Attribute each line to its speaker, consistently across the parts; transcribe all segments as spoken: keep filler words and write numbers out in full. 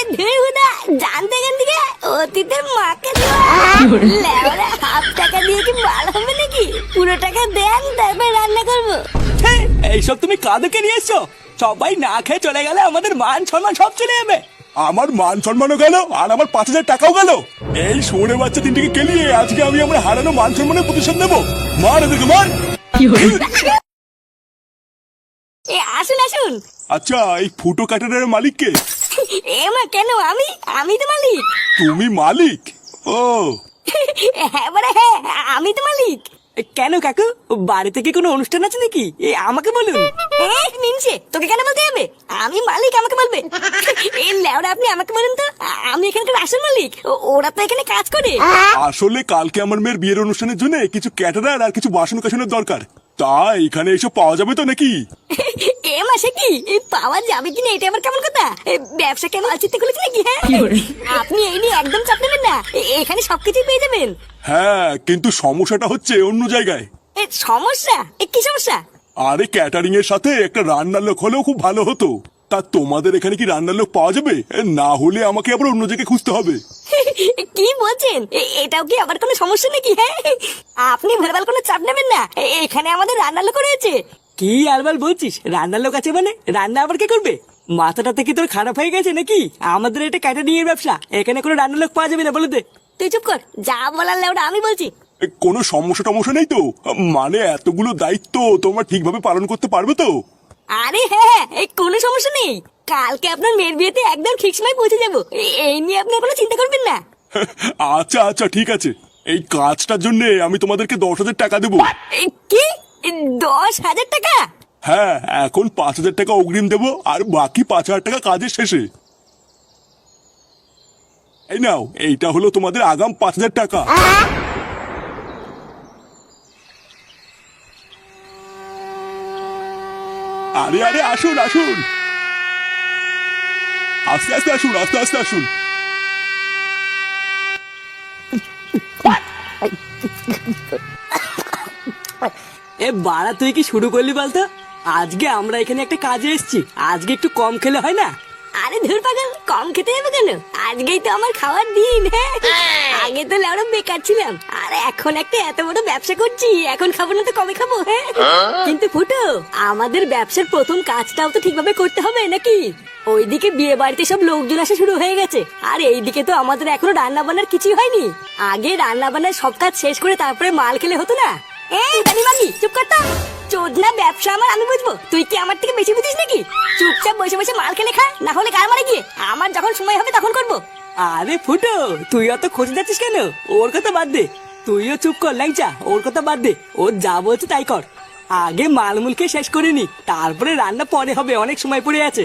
Speaker 1: ধেহুদা জানতে কেন দিকে অতীতের মাকে লেওরা হাফ টাকা দিয়ে কি ভালো হবে নাকি? পুরো টাকা দেন তারপর রান্না করবো।
Speaker 2: এইসব তুমি কাঁদুকে নিয়ে এসছো? সবাই না খেয়ে চলে গেলে আমাদের মান সম্মান সব চলে যাবে।
Speaker 3: আমার মান সম্মানও গেল আর আমার পাঁচ হাজার টাকাও গেল। এই শোনে বাচ্চা তিনটিকে কেলিয়ে আজকে আমি আমার হারানো মান সম্মানের প্রতিশোধ নেবো। মার এদেরকে মার।
Speaker 1: এ আসুন আসুন।
Speaker 3: আচ্ছা এই ফুটো কাটারের মালিক কে?
Speaker 1: এ মা কেন? আমি আমি তো মালিক।
Speaker 3: তুমি মালিক? ও
Speaker 1: হ্যাঁ বলে হ্যাঁ আমি তো মালিক।
Speaker 2: কেন কাকু, বাড়িতে কি কোনো অনুষ্ঠান আছে নাকি? এ আমাকে বলুন।
Speaker 1: এ মিনছে তোকে কেন বলতে হবে? আমি মালিক, আমাকে বলবে? এই লেওরা আপনি আমাকে বলুন তো, আমি এখানকার আসল মালিক, ও- ওরা তো এখানে কাজ করে।
Speaker 3: আসলে কালকে আমার মেয়ের বিয়ের অনুষ্ঠানের জন্য কিছু ক্যাটারার আর কিছু বাসন কাসনের দরকার। তা এখানে এসব পাওয়া যাবে তো নাকি?
Speaker 1: এ মাসে কি এই পাওয়া যাবে কিনা এটা আবার কেমন কথা? এ, ব্যবসা কেন আলচিতে খুলেছে নাকি? হ্যাঁ আপনি এই নিয়ে একদম চাপ নেবেন না, এ- এখানে সবকিছু পেয়ে যাবেন।
Speaker 3: হ্যাঁ কিন্তু সমস্যাটা হচ্ছে অন্য জায়গায়।
Speaker 1: এ সমস্যা? এ কি সমস্যা?
Speaker 3: আরে ক্যাটারিং এর সাথে একটা রান্নার লোক হলেও খুব ভালো হতো। তা তোমাদের এখানে কি রান্নার লোক পাওয়া যাবে? না হলে আমাকে আবার অন্য জায়গায় খুঁজতে হবে।
Speaker 1: কি বলছেন? এ- এটাও কি আবার কোনো সমস্যা নাকি? হ্যাঁ আপনি ভেরবাল কোনো চাপ নেবেন না, এ- এখানে আমাদের রান্নার লোক রয়েছে।
Speaker 2: কি আরবার বলছিস? রান্নার লোক আছে মানে? রান্না আবার কে করবে? মাথাটা থেকে তোর খারাপ হয়ে গেছে নাকি? আমাদের এটা ক্যাটারিং এর ব্যবসা, এখানে কোনো রান্নার লোক পাওয়া যাবে না, বলে দে।
Speaker 1: তুই চুপ কর, যা বলার লেওটা আমি বলছি।
Speaker 3: এ, কোনো সমস্যা টমস্যা নেই তো? মানে এতগুলো দায়িত্ব তোমরা ঠিকভাবে পালন করতে পারবে তো?
Speaker 1: আরে হ্যাঁ হ্যাঁ এই কোনো সমস্যা নেই, কালকে আপনার মেয়ের বিয়েতে একদম ঠিক সময় পৌঁছে যাবো, এ- এই নিয়ে আপনার কোনো চিন্তা করবেন না।
Speaker 3: আচ্ছা আচ্ছা ঠিক আছে। এই কাজটার জন্য আমি তোমাদেরকে দশ হাজার টাকা দেবো।
Speaker 1: এ, কি এ, দশ হাজার টাকা?
Speaker 3: হ্যাঁ এখন পাঁচ হাজার টাকা অগ্রিম দেবো আর বাকি পাঁচ হাজার টাকা কাজের শেষে। এই নাও, এইটা হলো তোমাদের আগাম পাঁচ হাজার টাকা। আরে আরে আসুন আসুন, আস্তে আস্তে আসুন, আস্তে আস্তে আসুন।
Speaker 2: এ বাড়া, তুই কি শুরু করলি বলতো? আজকে আমরা এখানে একটা কাজে এসেছি, আজকে একটু কম খেলে হয় না?
Speaker 1: আরে ধুর পাগল, কম খেতে হবে কেন? আজকেই তো আমার খাওয়ার দিন। হ্যাঁ আগে তো লেওড়া বেকার ছিলাম, আর এখন একটা এত বড় ব্যবসা করছি, এখন খাবো না তো কবে খাবো? হ্যাঁ কিন্তু ফুটো, আমাদের ব্যবসার প্রথম কাজটাও তো ঠিকভাবে করতে হবে নাকি? ওইদিকে বিয়ে বাড়িতে সব লোকজন আসা শুরু হয়ে গেছে, আর এইদিকে তো আমাদের এখনো রান্না বান্নার কিছুই হয়নি। আগে রান্না বান্নার সব কাজ শেষ করে তারপরে মাল খেলে হতো না? এই দানি মাগি চুপ কর তো। চোদনা ব্যবসা আমার, আমি বুঝবো, তুই কি আমার থেকে বেশি বুঝিস নাকি? চুপচাপ বসে বসে মাল খেলে খা, না হলে কার মারে গিয়ে আমার যখন সময় হবে তখন করবো।
Speaker 2: আরে ফুটো, তুই অত খোঁজ যাচ্ছিস কেন? ওর কথা বাদ দে, তুইও চুপ কর ল্যাংচা, ওর কথা বাদ দে, ওর যা বলছে তাই কর। আগে মালমুলকে শেষ করে নি, তারপরে রান্না পরে হবে, অনেক সময় পড়ে আছে।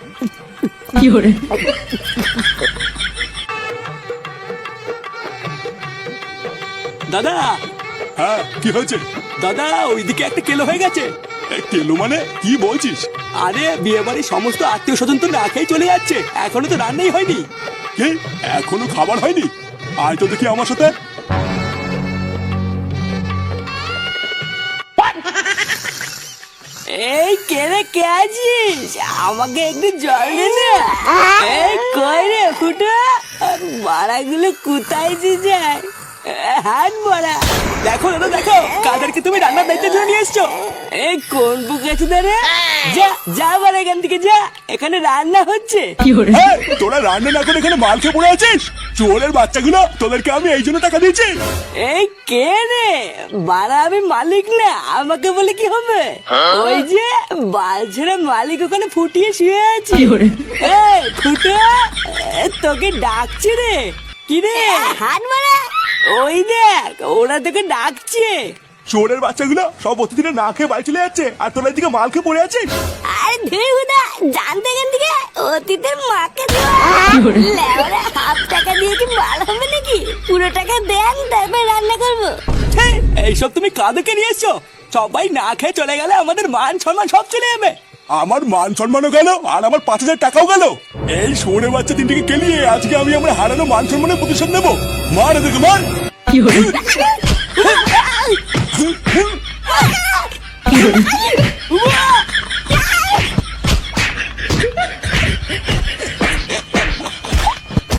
Speaker 2: দাদা,
Speaker 3: হ্যাঁ কি হয়েছে?
Speaker 2: দাদা ওইদিকে একটা কেলো হয়ে গেছে।
Speaker 3: এ, কেলো মানে কি বলছিস?
Speaker 2: আরে বিয়ে বাড়ির সমস্ত আত্মীয় স্বজন তো না খেয়ে চলে যাচ্ছে, এখনো তো রান্নাই হয়নি।
Speaker 3: কি এখনো খাবার হয়নি? আয় তো দেখি আমার সাথে।
Speaker 2: এই কেরে কে আছিস? আমাকে একটু জল দে না। এই কই রে ফুটো, বাড়াগুলো কোথায় যে যায়? হাত বড়া, দেখো দাদা দেখো, কাদেরকে তুমি রান্নার দায়িত্ব জন্য নিয়ে এসছো? এই কোন বুক আছে ধরে? যা যা বাড়া এখান থেকে যা, এখানে রান্না হচ্ছে।
Speaker 3: এই, তোরা রান্না না করে এখানে মাল খেয়ে পড়ে আছিস? চোরের বাচ্চাগুলো, তোদেরকে আমি এই জন্য টাকা দিয়েছি।
Speaker 2: এই কে রে? বাড়া আমি মালিক না, আমাকে বলে কি হবে? ওই যে বালছেরা মালিক ওখানে ফুটিয়ে শুয়ে আছে। এই ফুটো, এ, তোকে ডাকছে রে। কি রে?
Speaker 1: হাত মারা।
Speaker 2: ওই দেখ, ওরা তোকে ডাকছে।
Speaker 3: চোরের বাচ্চাগুলো সব অতিথিরা না খেয়ে বাড়ি চলে যাচ্ছে আর তোরা এদিকে মাল খেয়ে পড়ে আছিস।
Speaker 1: আরে ধেহুদা জানতে কেন দিকে অতীতের মাকে লেওরা হাফ টাকা দিয়ে কি ভালো হবে নাকি? পুরো টাকা দেন তারপর রান্না করবো।
Speaker 2: হে, এইসব তুমি কাদেরকে নিয়ে এসছো? সবাই না খেয়ে চলে গেলে আমাদের মান সম্মান সব চলে যাবে।
Speaker 3: আমার মান সম্মানও গেল আর আমার পাঁচ হাজার টাকাও গেল। এই শোনে বাচ্চা তিনটিকে কেলিয়ে আজকে আমি আমার হারানো মান সম্মানের প্রতিশোধ নেবো। মার এদেরকে মার।
Speaker 1: কি